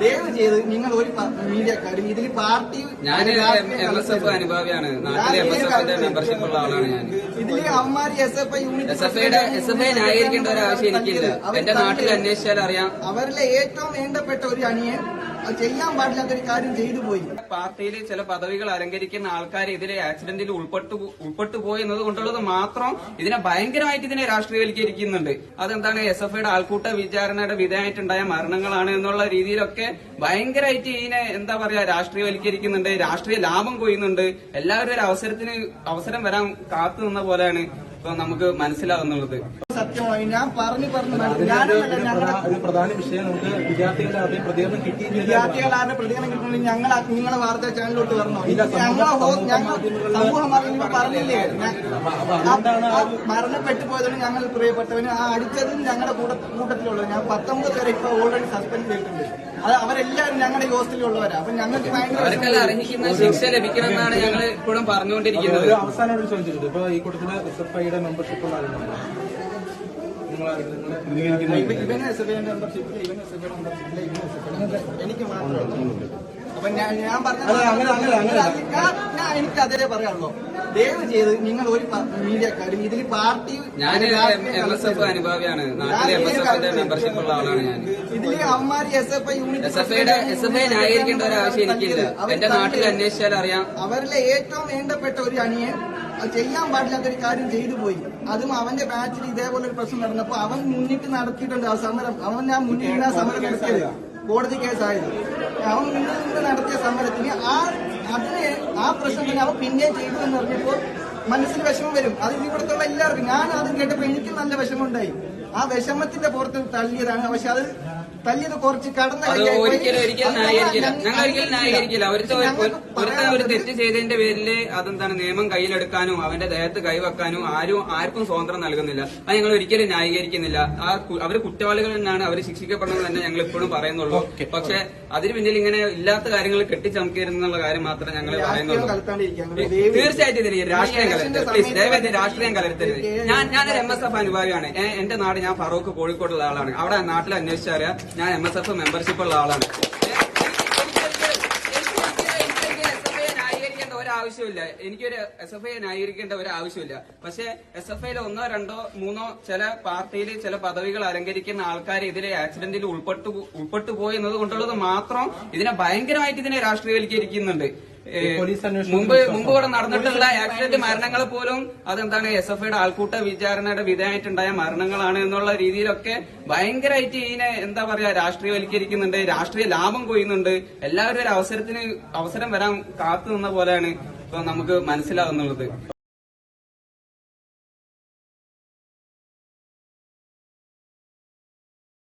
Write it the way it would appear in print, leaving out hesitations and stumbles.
ദയവ് ചെയ്ത് നിങ്ങൾ ഒരു മീഡിയക്കാരും ഇതിൽ പാർട്ടി ഞാൻ MSF അനുഭാവിയാണ്. നാട്ടിലെ MSFന്റെ മെമ്പർഷിപ്പ് ഉള്ള ആളാണ് ഞാൻ. ഇതില് അവന്മാര് SFI യൂണിറ്റ് SFI ന്യായീകരിക്കേണ്ട ഒരു ആവശ്യം എനിക്കില്ല. എന്റെ നാട്ടിൽ അന്വേഷിച്ചാൽ അറിയാം. അവരിലെ ഏറ്റവും വേണ്ടപ്പെട്ട ഒരു അണിയൻ ചെയ്യാൻ പാടില്ലാത്തൊരു കാര്യം ചെയ്തു പോയി. പാർട്ടിയിൽ ചില പദവികൾ അലങ്കരിക്കുന്ന ആൾക്കാർ ഇതിലെ ആക്സിഡന്റിൽ ഉൾപ്പെട്ടു പോയി എന്നത് കൊണ്ടുള്ളത് മാത്രം ഇതിനെ ഭയങ്കരമായിട്ട് ഇതിനെ രാഷ്ട്രീയവൽക്കരിക്കുന്നുണ്ട്. അതെന്താണ് SFIയുടെ ആൾക്കൂട്ട വിചാരണയുടെ വിധേയമായിട്ടുണ്ടായ മരണങ്ങളാണ് എന്നുള്ള രീതിയിലൊക്കെ ഭയങ്കരമായിട്ട് ഇതിനെ എന്താ പറയാ രാഷ്ട്രീയവൽക്കരിക്കുന്നുണ്ട്. രാഷ്ട്രീയ ലാഭം കൊയ്യുന്നുണ്ട്. എല്ലാവരും ഒരു അവസരം വരാൻ കാത്തു നിന്ന പോലെയാണ് ഇപ്പൊ നമുക്ക് മനസ്സിലാവുന്നുള്ളത്. സത്യമായി ഞാൻ പറഞ്ഞു ഒരു പ്രധാന വിഷയം നമുക്ക് വിദ്യാർത്ഥികളുടെ പ്രതികരണം കിട്ടി. വിദ്യാർത്ഥികളുടെ പ്രതികരണം കിട്ടണമെങ്കിൽ ഞങ്ങൾ നിങ്ങളെ വാർത്താ ചാനലിലോട്ട് വരണോ? സമൂഹ മാധ്യമങ്ങൾ പറഞ്ഞില്ലേ മരണപ്പെട്ടു പോയതാണ് ഞങ്ങൾ പ്രിയപ്പെട്ടവന് ആ അടിച്ചതും ഞങ്ങളുടെ കൂട്ടത്തിലുള്ളത്. ഞാൻ 19 പേരെ ഇപ്പൊ ഓൾറെഡി സസ്പെൻഡ് ചെയ്തിട്ടുണ്ട്. അത് അവരെല്ലാവരും ഞങ്ങളുടെ ഹോസ്റ്റലിലുള്ളവരാ. അപ്പൊ ഞങ്ങൾക്ക് ഭയങ്കര അർഹിക്കുന്ന ശിക്ഷ ലഭിക്കണമെന്നാണ് ഞങ്ങൾ ഇപ്പോഴും പറഞ്ഞുകൊണ്ടിരിക്കുന്നത്. അവസാനമായിട്ട് ചോദിച്ചിട്ടുണ്ട്, ഇപ്പൊ ഈ കൂട്ടത്തില് SFIയുടെ മെമ്പർഷിപ്പ് ഉള്ള ആളുകളുണ്ട്. എനിക്ക് മാത്രമല്ല. അപ്പൊ ഞാൻ പറഞ്ഞത് എനിക്ക് അതേ പറയാനുള്ളൂ. ദയവ് ചെയ്ത് നിങ്ങൾ ഒരു മീഡിയക്കാരും ഇതിൽ പാർട്ടി ഞാൻ MSF അനുഭാവിയാണ്. നാട്ടിലെ MSFന്റെ മെമ്പർഷിപ്പ് ഉള്ള ആളാണ് ഞാൻ. ഇതില് അവന്മാര് SFI യൂണിറ്റ് SFI ന്യായീകരിക്കേണ്ട ഒരു ആവശ്യം എനിക്കില്ല. എന്റെ നാട്ടിൽ അന്വേഷിച്ചാൽ അറിയാം. അവരിലെ ഏറ്റവും വേണ്ടപ്പെട്ട ഒരു അണിയൻ ചെയ്യാൻ പാടില്ലാത്തൊരു കാര്യം ചെയ്തു പോയി. അതും അവന്റെ ബാച്ചിൽ ഇതേപോലെ ഒരു പ്രശ്നം നടന്നപ്പോ അവൻ മുന്നിട്ട് നടത്തിയിട്ടുണ്ട് ആ സമരം. അവൻ ഞാൻ മുന്നിൽ ആ സമരം നടത്തിയത് കോടതി കേസായത്. അവൻ മുന്നിൽ നടത്തിയ സമരത്തിന് ആ പ്രശ്നം തന്നെ അവൻ പിന്നെ ചെയ്തു എന്ന് പറഞ്ഞപ്പോൾ മനസ്സിൽ വിഷമം വരും. അത് ഇവിടത്തുള്ള എല്ലാവർക്കും. ഞാൻ അത് കേട്ടപ്പോ എനിക്ക് നല്ല വിഷമമുണ്ടായി. ആ വിഷമത്തിന്റെ പുറത്ത് തള്ളിയതാണ്. പക്ഷെ അത് തല്ലിയത് കുറച്ച് കടന്നു. ഒരിക്കലും ന്യായീകരിക്കില്ല. ഒരു തെറ്റ് ചെയ്തതിന്റെ പേരില് അതെന്താണ് നിയമം കയ്യിലെടുക്കാനും അവന്റെ ദേഹത്ത് കൈവെക്കാനും ആർക്കും സ്വാതന്ത്ര്യം നൽകുന്നില്ല. അത് ഞങ്ങൾ ഒരിക്കലും ന്യായീകരിക്കുന്നില്ല. അവര് കുറ്റവാളികൾ തന്നെയാണ്. അവർ ശിക്ഷിക്കപ്പെടണമെന്ന് തന്നെ ഞങ്ങൾ ഇപ്പോഴും പറയുന്നുള്ളൂ. പക്ഷെ അതിന് പിന്നിൽ ഇങ്ങനെ ഇല്ലാത്ത കാര്യങ്ങൾ കെട്ടിച്ചമക്കരുന്നുള്ള കാര്യം മാത്രമേ ഞങ്ങൾ പറയുന്നുള്ളൂ. തീർച്ചയായിട്ടും ഇതിന് രാഷ്ട്രീയം കലർത്തരുത്. പ്ലീസ് ദയവായി രാഷ്ട്രീയം കലർത്തരുത്. ഞാനൊരു MSF അനുഭാവിയാണ്. എന്റെ നാട് ഞാൻ ഫറൂഖ് കോഴിക്കോടുള്ള ആളാണ്. അവിടെ നാട്ടിൽ അന്വേഷിച്ചറിയാം ഞാൻ MSF മെമ്പർഷിപ്പ് ഉള്ള ആളാണ്. ആവശ്യമില്ല. എനിക്കൊരു SFI ന്യായീകരിക്കേണ്ട ഒരു ആവശ്യമില്ല. പക്ഷെ SFIയിൽ 1, 2, 3 ചില പാർട്ടിയിൽ ചില പദവികൾ അലങ്കരിക്കുന്ന ആൾക്കാർ ഇതിലെ ആക്സിഡന്റിൽ ഉൾപ്പെട്ടു പോയി എന്നത് കൊണ്ടുള്ളത് മാത്രം ഇതിനെ ഭയങ്കരമായിട്ട് ഇതിനെ രാഷ്ട്രീയവൽക്കരിക്കുന്നുണ്ട്. മുമ്പ് ഇവിടെ നടന്നിട്ടുള്ള ആക്സിഡന്റ് മരണങ്ങൾ പോലും അതെന്താണ് SFIയുടെ ആൾക്കൂട്ട വിചാരണയുടെ വിധേയമായിട്ടുണ്ടായ മരണങ്ങളാണ് എന്നുള്ള രീതിയിലൊക്കെ ഭയങ്കരമായിട്ട് ഇതിനെ എന്താ പറയാ രാഷ്ട്രീയവൽക്കരിക്കുന്നുണ്ട്. രാഷ്ട്രീയ ലാഭം കൊയ്യുന്നുണ്ട്. എല്ലാവരും ഒരു അവസരം വരാൻ കാത്തു നിന്ന പോലെയാണ് ഇപ്പൊ നമുക്ക് മനസ്സിലാവുന്നുള്ളത്.